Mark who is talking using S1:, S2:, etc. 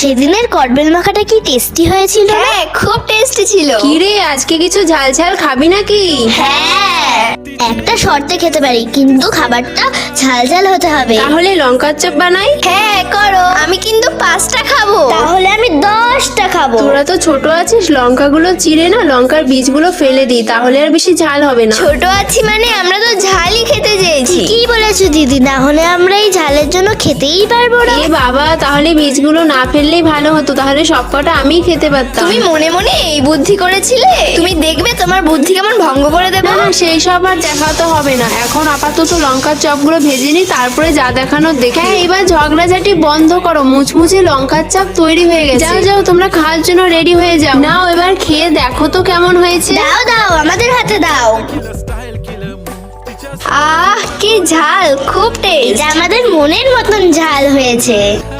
S1: সেদিনের কটবেল মাখাটা কি টেস্টি হয়েছিল?
S2: হ্যাঁ, খুব টেস্টি ছিল।
S3: কি রে, আজকে কিছু ঝাল ঝাল খাবি নাকি?
S1: হ্যাঁ, একটা শর্তে খেতে পারি, কিন্তু খাবারটা ঝাল ঝাল হতে হবে।
S3: তাহলে লঙ্কার চপ বানাই।
S2: হ্যাঁ করো, আমি কিন্তু 5টা খাবো।
S1: তাহলে আমি 10টা খাবো।
S3: তোরা তো ছোট আছিস, লঙ্কাগুলো চিড়ে না লঙ্কার বীজগুলো ফেলে দি, তাহলে আর বেশি ঝাল হবে না।
S2: ছোট আছি মানে আমরা তো ঝালই খেতে চেয়েছি।
S1: কি বলেছো দিদি, না হলে আমরা এই ঝালের জন্য খেতেই পারবো না।
S3: এ বাবা, তাহলে বীজগুলো না ফেললেই ভালো হতো, তাহলে সবকটা আমি খেতে পারতাম।
S2: তুমি মনে মনে এই বুদ্ধি করেছিলে? তুমি দেখবে তোমার বুদ্ধি কেমন ভঙ্গ করে দেবো।
S3: না না, সেই সব আর দেখাতে হবে না, এখন আপাতত লঙ্কার চপগুলো ভেজে নি, তারপরে যা দেখানোর দেখে। হ্যাঁ, এবার ঝগড়াঝাটি বন্ধ করো, মুচমুচে লঙ্কার চপ তৈরি হয়ে গেছে। যাও যাও, তোমরা খাওয়ার জন্য রেডি হয়ে যাও। নাও, এবার খেয়ে দেখো তো কেমন হয়েছে।
S1: দাও দাও, আমাদের হাতে দাও।
S2: আহ, কি ঝাল, খুব টেস্ট।
S1: এটা আমাদের মনের মতন ঝাল হয়েছে।